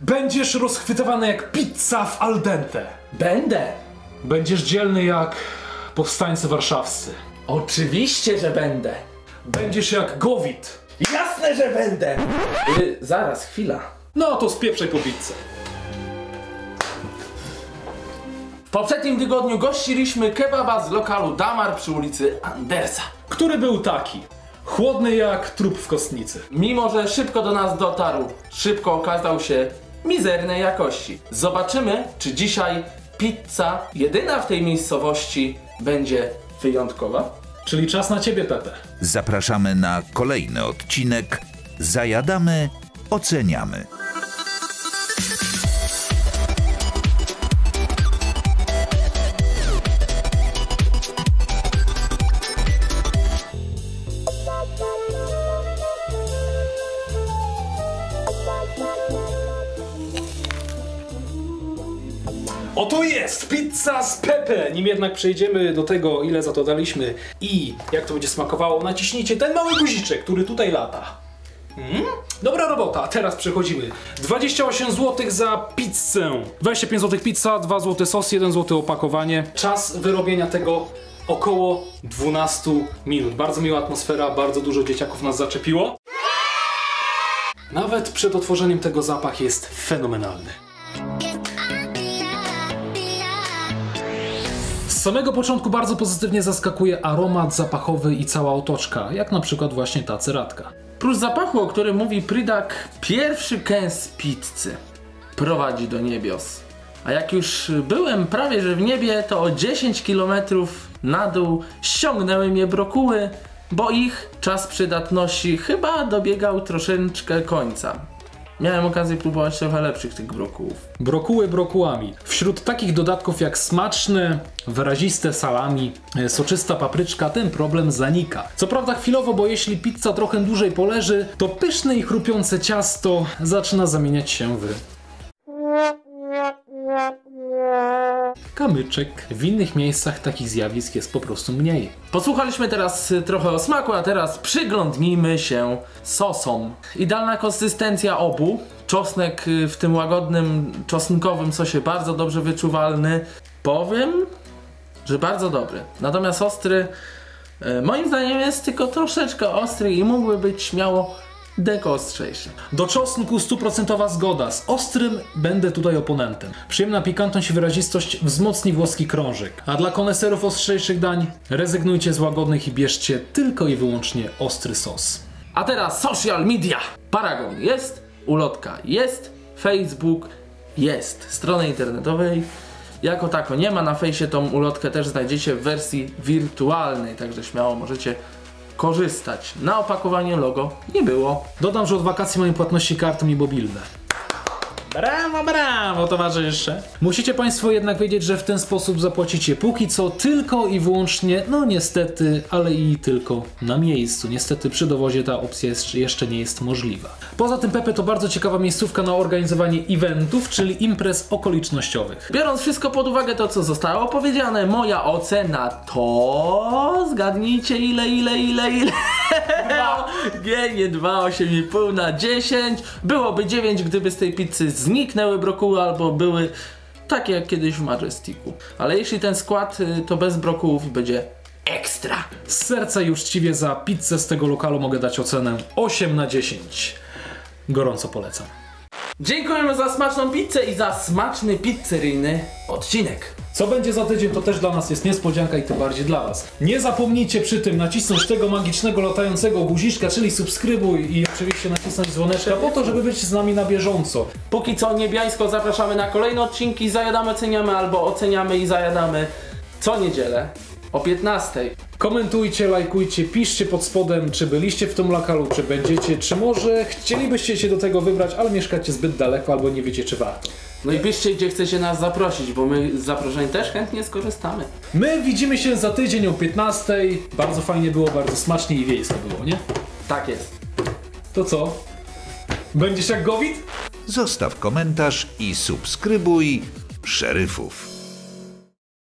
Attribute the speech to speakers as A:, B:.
A: Będziesz rozchwytywany jak pizza w al dente.
B: Będę.
A: Będziesz dzielny jak powstańcy warszawscy.
B: Oczywiście, że będę.
A: Będziesz jak Gowit.
B: Jasne, że będę. Zaraz, chwila.
A: No to spieprzaj po pizzę.
B: W poprzednim tygodniu gościliśmy kebaba z lokalu Damar przy ulicy Andersa.
A: Który był taki. Chłodny jak trup w kostnicy.
B: Mimo że szybko do nas dotarł, szybko okazał się mizernej jakości. Zobaczymy, czy dzisiaj pizza, jedyna w tej miejscowości, będzie wyjątkowa.
A: Czyli czas na ciebie, Pepe.
C: Zapraszamy na kolejny odcinek Zajadamy, oceniamy.
A: Oto jest pizza z Pepe! Nim jednak przejdziemy do tego, ile za to daliśmy i jak to będzie smakowało, naciśnijcie ten mały guziczek, który tutaj lata. Dobra robota, teraz przechodzimy. 28 zł za pizzę. 25 zł pizza, 2 zł sos, 1 zł opakowanie. Czas wyrobienia tego około 12 minut. Bardzo miła atmosfera, bardzo dużo dzieciaków nas zaczepiło. Nawet przed otworzeniem tego zapach jest fenomenalny. Z samego początku bardzo pozytywnie zaskakuje aromat zapachowy i cała otoczka, jak na przykład właśnie ta ceratka.
B: Prócz zapachu, o którym mówi Prydak, pierwszy kęs pizzy prowadzi do niebios. A jak już byłem prawie że w niebie, to o 10 km na dół ściągnęły mnie brokuły, bo ich czas przydatności chyba dobiegał troszeczkę końca. Miałem okazję próbować trochę lepszych tych brokułów.
A: Brokuły brokułami. Wśród takich dodatków jak smaczne, wyraziste salami, soczysta papryczka, ten problem zanika. Co prawda chwilowo, bo jeśli pizza trochę dłużej poleży, to pyszne i chrupiące ciasto zaczyna zamieniać się w kamyczek. W innych miejscach takich zjawisk jest po prostu mniej.
B: Posłuchaliśmy teraz trochę o smaku, a teraz przyglądnijmy się sosom. Idealna konsystencja obu. Czosnek w tym łagodnym, czosnkowym sosie bardzo dobrze wyczuwalny. Powiem, że bardzo dobry. Natomiast ostry, moim zdaniem jest tylko troszeczkę ostry i mógłby być śmiało deko ostrzejszy.
A: Do czosnku 100% zgoda. Z ostrym będę tutaj oponentem. Przyjemna pikantność i wyrazistość wzmocni włoski krążek. A dla koneserów ostrzejszych dań rezygnujcie z łagodnych i bierzcie tylko i wyłącznie ostry sos.
B: A teraz social media. Paragon jest, ulotka jest, Facebook jest. Strony internetowej jako tako nie ma. Na fejsie tą ulotkę też znajdziecie w wersji wirtualnej, także śmiało możecie korzystać. Na opakowaniu logo nie było.
A: Dodam, że od wakacji mają płatności kartą i mobilne. Brawo, brawo, towarzysze. Musicie Państwo jednak wiedzieć, że w ten sposób zapłacicie póki co tylko i wyłącznie, no niestety, ale i tylko na miejscu. Niestety przy dowozie ta opcja jeszcze nie jest możliwa. Poza tym Pepe to bardzo ciekawa miejscówka na organizowanie eventów, czyli imprez okolicznościowych.
B: Biorąc wszystko pod uwagę to, co zostało powiedziane, moja ocena to... Zgadnijcie ile? Nie, 2, 8,5 na 10. Byłoby 9, gdyby z tej pizzy zniknęły brokuły albo były takie jak kiedyś w Majesticu. Ale jeśli ten skład, to bez brokułów będzie ekstra.
A: Z serca i uczciwie za pizzę z tego lokalu mogę dać ocenę 8 na 10. Gorąco polecam.
B: Dziękujemy za smaczną pizzę i za smaczny pizzeryjny odcinek.
A: Co będzie za tydzień, to też dla nas jest niespodzianka i tym bardziej dla Was. Nie zapomnijcie przy tym nacisnąć tego magicznego latającego guziczka, czyli subskrybuj i oczywiście nacisnąć dzwoneczka po to, żeby być z nami na bieżąco.
B: Póki co niebiańsko zapraszamy na kolejne odcinki Zajadamy, oceniamy albo oceniamy i zajadamy co niedzielę o 15.
A: Komentujcie, lajkujcie, piszcie pod spodem, czy byliście w tym lokalu, czy będziecie, czy może chcielibyście się do tego wybrać, ale mieszkacie zbyt daleko albo nie wiecie, czy warto.
B: No i piszcie, gdzie chcecie nas zaprosić, bo my z zaproszeń też chętnie skorzystamy.
A: My widzimy się za tydzień o 15. Bardzo fajnie było, bardzo smacznie i wiejsko było, nie?
B: Tak jest.
A: To co? Będziesz jak Gowit?
C: Zostaw komentarz i subskrybuj Szeryfów.